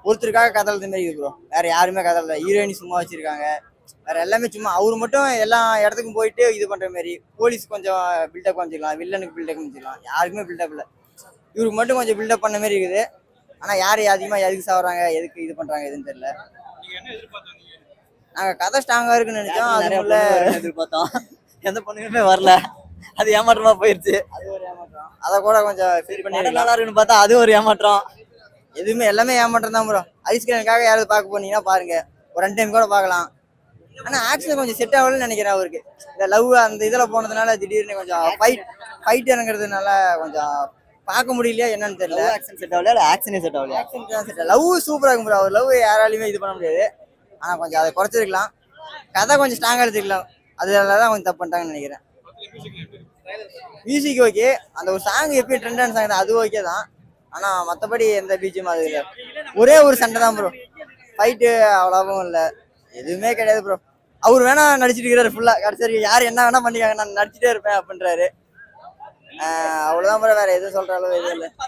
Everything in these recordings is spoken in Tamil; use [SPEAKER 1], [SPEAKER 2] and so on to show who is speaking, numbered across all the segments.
[SPEAKER 1] ஒருத்தருக்காக கதறது மாதிரி இருக்கு ப்ரோ. வேற யாருமே கதறல. ஹீரோயினி சும்மா வச்சிருக்காங்க. வேற எல்லாமே சும்மா அவர் மட்டும் எல்லா இடத்துக்கும் போயிட்டு இது பண்ற மாதிரி. போலீஸ் கொஞ்சம் பில்டப் காமிச்சிக்கலாம், வில்லனுக்கு பில்டப் காமிச்சிக்கலாம். யாருக்குமே பில்டப் இல்லை. இவருக்கு மட்டும் கொஞ்சம் பில்டப் பண்ண மாதிரி இருக்குது. ஆனா யாரு அதிகமா எதுக்கு சாவறாங்க, எதுக்கு இது பண்றாங்க எதுன்னு தெரியல. நாங்க கதை ஸ்ட்ராங்கா இருக்குன்னு நினைச்சோம். அதுக்குள்ள
[SPEAKER 2] எதிர்பார்த்தோம், எந்த பொண்ணுமே வரல. அது ஏமாற்றமா போயிருச்சு.
[SPEAKER 1] அது ஒரு ஏமாற்றம். அதை கூட கொஞ்சம் ஃபீல் பண்ணி
[SPEAKER 2] நல்லா இருக்குன்னு பார்த்தா அது ஒரு ஏமாற்றம்.
[SPEAKER 1] எதுவுமே எல்லாமே ஏமாற்றம் தான் ப்ரோ. ஐஸ்கிரீனுக்காக யாராவது பார்க்க போனீங்கன்னா பாருங்க, ஒரு 2 டைம் கூட பார்க்கலாம். ஆனா ஆக்ஷன் கொஞ்சம் செட் ஆகலன்னு நினைக்கிறேன் அவருக்கு. இந்த லவ் அந்த இதுல போனதுனால திடீர்னு கொஞ்சம் ஃபைட் இறங்குறதுனால கொஞ்சம் பார்க்க முடியலையா என்னன்னு தெரியல.
[SPEAKER 2] ஆக்ஷன் செட் ஆகல, ஆக்ஷனே செட் ஆகலையா?
[SPEAKER 1] ஆக்ஷன் தான் செட். லவ் சூப்பரா இருக்கும் ப்ரோ. அவர் லவ் யாராலையுமே இது பண்ண முடியாது. ஆனா கொஞ்சம் அதை குறைச்சிருக்கலாம். கதை கொஞ்சம் ஸ்ட்ராங்கா எடுத்துக்கலாம். அதுலதான் கொஞ்சம் தப்பு பண்ணிட்டாங்கன்னு நினைக்கிறேன். Music okay. அந்த ஒரு சாங் எப்பயும் ட்ரெண்டான சாங் தான், அது ஓகே தான். ஆனா மத்தபடி எந்த பீச்சும் அது இல்லை. ஒரே ஒரு சண்டை தான் ப்ரோ. ஃபைட்டு அவ்வளவும் இல்லை, எதுவுமே கிடையாது ப்ரோ. அவர் வேணா நடிச்சிட்டு இருக்கிறாரு ஃபுல்லா. கடைசி யார் என்ன வேணா பண்ணிக்காங்க, நான் நடிச்சுட்டே இருப்பேன் அப்படின்றாரு. அவ்வளவுதான் ப்ரோ. வேற எதுவும் சொல்ற அளவு எதுவும் இல்லை.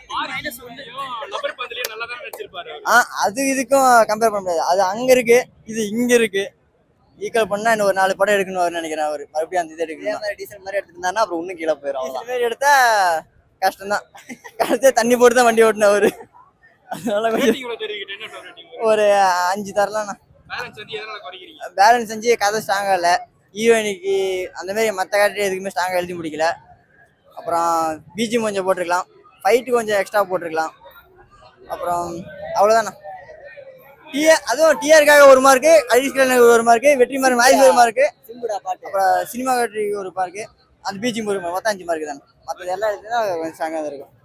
[SPEAKER 1] அது இதுக்கும் கம்பேர் பண்ண முடியாது. அது அங்க இருக்கு, இது இங்க இருக்கு. ஈக்குவல் பண்ணா இன்னும் ஒரு 4 படம் எடுக்கணும்னு நினைக்கிறேன் அவரு. மறுபடியும் அந்த இது எடுக்கணும்.
[SPEAKER 2] டீசல் மாதிரி எடுத்துருந்தாருன்னா அப்புறம் இன்னும் கீழே போயிடும்.
[SPEAKER 1] இந்த மாதிரி எடுத்தா கஷ்டம் தான். கடைசியா தண்ணி போட்டு தான் வண்டி ஓட்டின அவரு. அதனால ஒரு 5 தரலாம். பேலன்ஸ் செஞ்சு கதை ஸ்ட்ராங்கா இல்லை. ஹீரோயினிக்கு அந்த மாதிரி மற்ற கேரக்டர் எதுக்குமே ஸ்ட்ராங்கா எழுதி முடிக்கல. அப்புறம் பிஜிஎம் கொஞ்சம் போட்டிருக்கலாம், ஃபைட்டு கொஞ்சம் எக்ஸ்ட்ரா போட்டிருக்கலாம். அப்புறம் அவ்வளோதாண்ணா. அதுவும் டிஆருக்காக ஒரு மார்க்கு, ஐஸ்கிரீனுக்கு ஒரு மார்க்கு, வெற்றிமாறன் வாய்ஸ் ஒரு மார்க்கு, அப்புறம் சினிமாட்டோகிராஃபிக்கு ஒரு மார்க்கு, அந்த பிஜிஎம் ஒரு மார்க், மொத்தம் 5 மார்க்கு தானே. மற்றது எல்லாம் எடுத்துன்னா கொஞ்சம் ஸ்ட்ராங்காக தான் இருக்கும்.